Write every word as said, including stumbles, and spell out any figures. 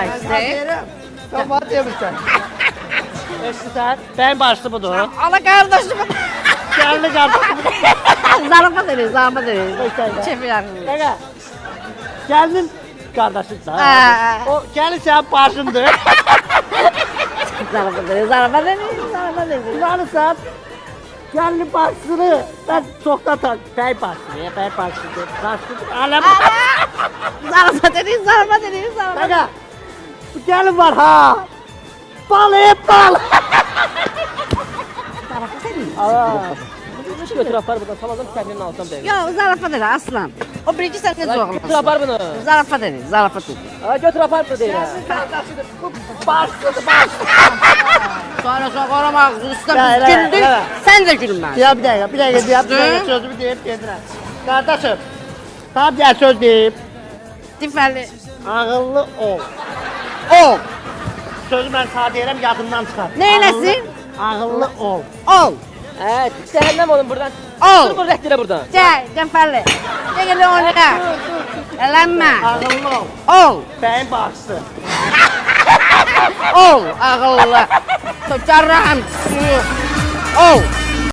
Sen bana demişsin. Eşkısan, ben başlı budur. Allah kardeşim. Geldi kardeşim. Zarafat edin, zarafat edin. Çefi yakın. Kanka, geldin kardeşin Ha. sana. O gelin sen başındı. Zarafat edin, zarafat edin, zarafat edin. Yani sen gelin başını ben çoktan tak. Bey başını ya, bey başını. Başını, alem. Zarafat edin, zarafat edin, zarafat edin. Kanka, bu gelin var ha. Bal hep bal. Zarafat edin. Aa. Hiç götür apar buradan, tamazım kendinin alsam değil. Yok, zarafat edin aslan. O birinci sen ne zorlamasın. Götür apar bunu. Zarafat edin, zarafat edin. Aa, götür apar bunu değil ha. Başladı, başladı. Sonra sonra korumak usta Ya, biz evet, güldük, evet. sen de gülmez. Ya bir dakika, bir dakika, bir dakika, bir dakika sözümü deyip getirəm. Kardeşim, tam gel söz deyip, Tifəli. ağıllı ol. Ol. Sözü ben sana deyirəm, yadından çıxar. Neyləsin? Ağıllı, ağıllı ol. Ol. Evet, cehennem olun buradan. Ol. Dur bu rehtire buradan. Gel, Tifəli. Gel gel oyna. Elenme. Ağıllı ol. Ol. Beyin bağışsın. Ol. Ağıllı. Tutarım. Ol.